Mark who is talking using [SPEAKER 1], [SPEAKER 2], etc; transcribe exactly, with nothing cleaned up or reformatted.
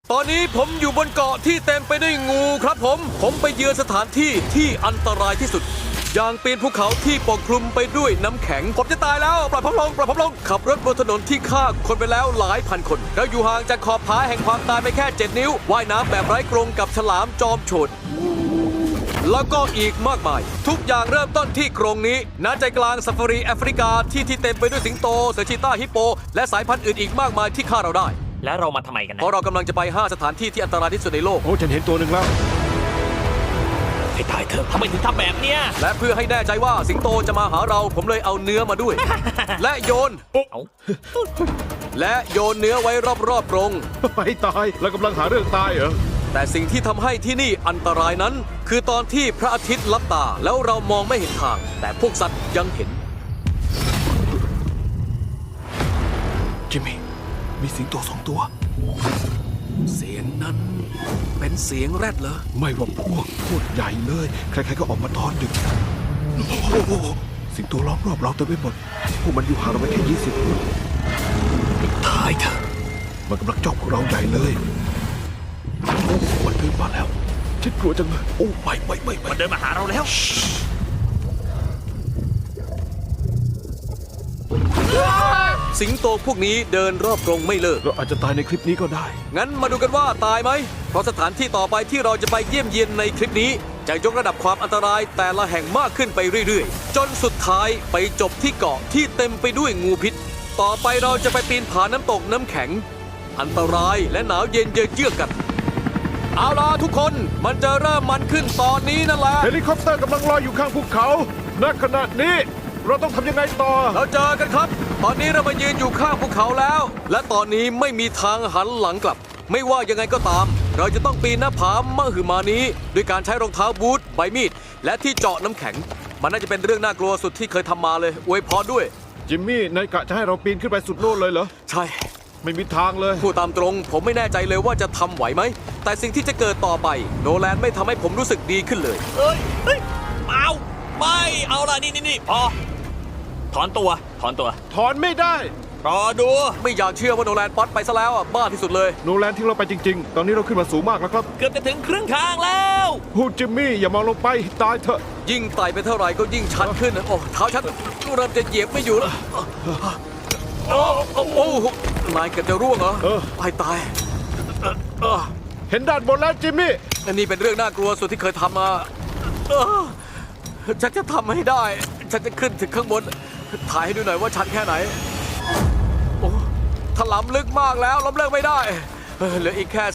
[SPEAKER 1] ตอนนี้ผมอยู่บนเกาะที่เต็มไปด้วยงูครับผม ผมไปเยือนสถานที่ที่อันตรายที่สุด อย่างปีนภูเขาที่ปกคลุมไปด้วยน้ำแข็ง ผมจะตายแล้วปล่อยผมลงปล่อยผมลง ขับรถบนถนนที่ฆ่าคนไปแล้วหลายพันคน แล้วอยู่ห่างจากขอบผาแห่งความตายไปแค่เจ็ดนิ้ว ว่ายน้ำแบบไร้กรงกับฉลามจอมโฉด แล้วก็อีกมากมาย ทุกอย่างเริ่มต้นที่กรงนี้ณใจกลางซาฟารีแอฟริกาที่ที่เต็มไปด้วยสิงโตเสือชีต้าฮิปโป และสายพันธุ์อื่นอีกมากมายที่ฆ่าเราได้
[SPEAKER 2] แล้วเรามาทำไมกัน
[SPEAKER 1] เพ
[SPEAKER 2] นะ
[SPEAKER 1] ราะเรากำลังจะไปห้าสถานที่ที่อันตรายที่สุดในโลก
[SPEAKER 3] โอ้ฉันเห็นตัวหนึ่งแล้ว
[SPEAKER 2] ให้ตายเถอะทำไมถึงทำแบบเนี้ย
[SPEAKER 1] และเพื่อให้แน่ใจว่าสิงโตจะมาหาเราผมเลยเอาเนื้อมาด้วย และโยน
[SPEAKER 2] เอา
[SPEAKER 1] และโยนเนื้อไว้รอบๆกรง
[SPEAKER 3] ให้ตายเรากำลังหาเรื่องตายเหรอ
[SPEAKER 1] แต่สิ่งที่ทำให้ที่นี่อันตรายนั้น คือตอนที่พระอาทิตย์ลับตาแล้วเรามองไม่เห็นทาง แต่พวกสัตว์ยังเห็น
[SPEAKER 3] จิมมี่มีสิงโตสองตัว
[SPEAKER 1] เสียงนั้นเป็นเสียงแรดเหรอ
[SPEAKER 3] ไม่ว่าพวกโคตรใหญ่เลย ใครๆก็ออกมาตอนดึกโอ้โหสิงโตล้อมรอบเราเต็มไปหมด พวกมันอยู่ห่างเราไปแค่ยี่สิบฟุต
[SPEAKER 2] ตายเถอะ
[SPEAKER 3] มันกำลังจ้องพวกเราใหญ่เลยโอ้มันเดินมาแล้วฉันกลัวจังเลยโอ้ไม่ไม่ไม่ไม่
[SPEAKER 2] มันเดินมาหาเราแล้ว
[SPEAKER 1] สิงโตพวกนี้เดินรอบกรงไม่เลิก
[SPEAKER 3] เราอาจจะตายในคลิปนี้ก็ได้
[SPEAKER 1] งั้นมาดูกันว่าตายไหม เพราะสถานที่ต่อไปที่เราจะไปเยี่ยมเยียนในคลิปนี้ จะยกระดับความอันตรายแต่ละแห่งมากขึ้นไปเรื่อยๆ จนสุดท้ายไปจบที่เกาะที่เต็มไปด้วยงูพิษ ต่อไปเราจะไปปีนผาน้ำตกน้ำแข็ง อันตรายและหนาวเย็นเยือกกัน เอาล่ะทุกคนมันจะเริ่มมันขึ้นตอนนี้นั่นแหละ
[SPEAKER 3] เฮลิคอปเตอร์กำลังลอยอยู่ข้างภูเขา ณ ขณะนี้เราต้องทำยังไงต่อ
[SPEAKER 1] เราเจอกันครับ ตอนนี้เรามายืนอยู่ข้างภูเขาแล้ว และตอนนี้ไม่มีทางหันหลังกลับ ไม่ว่ายังไงก็ตาม เราจะต้องปีนหน้าผามหึมานี้ด้วยการใช้รองเท้าบูทใบมีด และที่เจาะน้ำแข็ง มันน่าจะเป็นเรื่องน่ากลัวสุดที่เคยทำมาเลยอวยพรด้วย
[SPEAKER 3] จิมมี่นายกะจะให้เราปีนขึ้นไปสุดโน่นเลยเหรอ
[SPEAKER 1] ใช่
[SPEAKER 3] ไม่มีทางเลย
[SPEAKER 1] พูดตามตรง ผมไม่แน่ใจเลยว่าจะทำไหวไหม แต่สิ่งที่จะเกิดต่อไปโนแลนไม่ทำให้ผมรู้สึกดีขึ้นเลย
[SPEAKER 2] เอ้ยเฮ้ยเอาไม่เอาล่ะนี่นี่นี่พอถอนตัวถอนตัว
[SPEAKER 3] ถอนไม่ได้
[SPEAKER 2] รอดู
[SPEAKER 1] ไม่อยากเชื่อว่าโนแลนป๊อตไปซะแล้วอ่ะบ้าที่สุดเลย
[SPEAKER 3] โนแลนทิ้งเราไปจริง ๆ ตอนนี้เราขึ้นมาสูงมากแล้วครับ
[SPEAKER 2] เกือบจะถึงครึ่งทางแล้ว
[SPEAKER 3] พูดจิมมี่อย่ามองลงไปตายเถอะ
[SPEAKER 1] ยิ่งไต่ไปเท่าไหร่ก็ยิ่งชันขึ้น โอ้เท้าชันเริ่มจะเหยียบไม่อยู่แล้วโอ้โอ้โอ้นายเกือบจะร่วงเหรอ
[SPEAKER 3] เออ
[SPEAKER 1] ตายตายเออ
[SPEAKER 3] เห็นด้านบนแล้วจิมมี่
[SPEAKER 1] อันนี้เป็นเรื่องน่ากลัวสุดที่เคยทำมาเออฉันจะทำให้ได้ ฉันจะขึ้นถึงข้างบน ถ่ายให้ดูหน่อยว่าชันแค่ไหน โอ้ถลำลึกมากแล้วล้มเลิกไม่ได้เออเหลืออีกแค่